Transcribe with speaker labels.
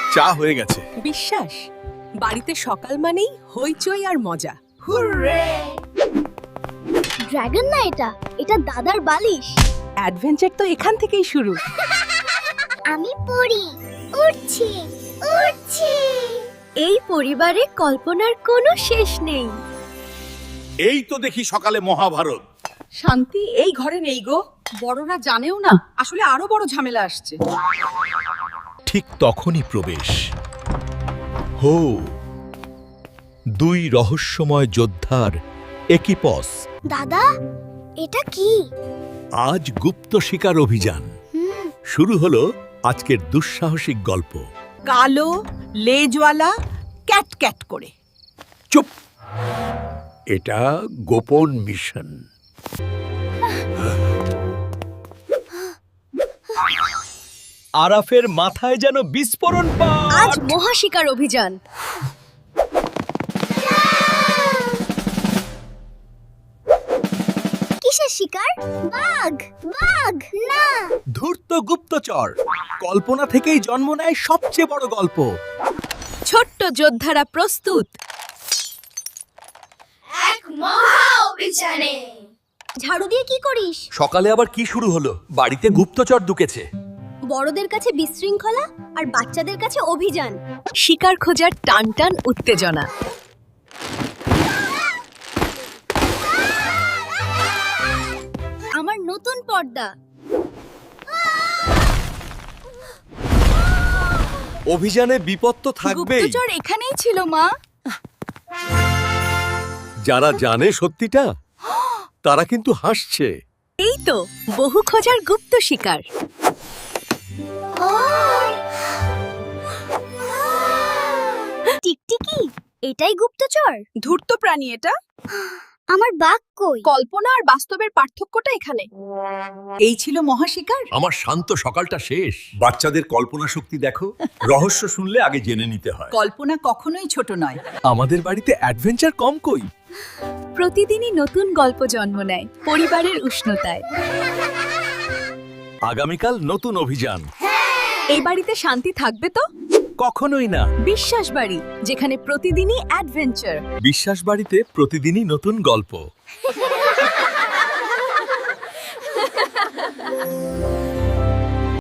Speaker 1: চা হয়ে গেছে।
Speaker 2: বিশ্বাস বাড়িতে সকাল মানেই হইচই আর মজা।
Speaker 3: ড্রাগন না, এটা দাদার বালিশ।
Speaker 2: অ্যাডভেঞ্চার তো এখান থেকেই শুরু।
Speaker 3: আমি পড়ি, উড়ছি উড়ছি। এই পরিবারে কল্পনার কোনো শেষ নেই।
Speaker 1: এই তো দেখি সকালে মহাভারত।
Speaker 2: শান্তি এই ঘরে নেই গো। বড়রা জানেও না, আসলে আরো বড় ঝামেলা আসছে।
Speaker 4: ঠিক তখনই প্রবেশ। হো, দুই রহস্যময় যোদ্ধার একিপস।
Speaker 3: দাদা, এটা কি?
Speaker 4: আজ গুপ্ত শিকার অভিযান শুরু হলো। আজকের দুঃসাহসিক গল্প।
Speaker 2: কালো লেজওয়ালা ক্যাট ক্যাট করে।
Speaker 4: চুপ, এটা গোপন মিশন। আরাফের মাথায় যেন বিস্ফোরণ
Speaker 3: আজ মহাশিকার অভিযান। কিসের শিকার? বাঘ বাঘ না।
Speaker 4: ধূর্ত গুপ্তচর। কল্পনা থেকেই জন্ম নেয় সবচেয়ে বড় গল্প।
Speaker 2: ছোট্ট যোদ্ধারা প্রস্তুত।
Speaker 3: ঝাড়ু দিয়ে কি করিস?
Speaker 4: সকালে আবার কি শুরু হলো? বাড়িতে গুপ্তচর ঢুকেছে।
Speaker 3: বড়দের কাছে বিশৃঙ্খলা আর বাচ্চাদের কাছে অভিযান।
Speaker 2: শিকার খোঁজার টান টান উত্তেজনা।
Speaker 3: আমার নতুন পর্দা।
Speaker 4: অভিযানে বিপদ তো থাকবেই।
Speaker 2: গুপ্তচর এখানেই ছিল মা।
Speaker 4: যারা জানে সত্যিটা তারা কিন্তু হাসছে।
Speaker 2: এই তো বহু খোঁজার গুপ্ত শিকার।
Speaker 3: টিকটিকি, এটাই গুপ্তচর?
Speaker 2: ধূর্ত প্রাণী এটা।
Speaker 3: আমার বাঘ কই?
Speaker 2: কল্পনা আর বাস্তবের পার্থক্যটা এখানে। এই ছিল মহাশিকার।
Speaker 4: আমার শান্ত সকালটা শেষ। বাচ্চাদের কল্পনা শক্তি দেখো। রহস্য শুনলে আগে জেনে নিতে হয়।
Speaker 2: কল্পনা কখনোই ছোট নয়।
Speaker 4: আমাদের বাড়িতে অ্যাডভেঞ্চার কম কই।
Speaker 2: প্রতিদিনই নতুন গল্প জন্ম নেয় পরিবারের উষ্ণতায়।
Speaker 4: আগামীকাল নতুন অভিযান।
Speaker 2: এই বাড়িতে শান্তি থাকবে তো?
Speaker 4: কখনোই না।
Speaker 2: বিশ্বাস বাড়ি, যেখানে প্রতিদিনই অ্যাডভেঞ্চার।
Speaker 4: বিশ্বাস বাড়িতে প্রতিদিনই নতুন গল্প।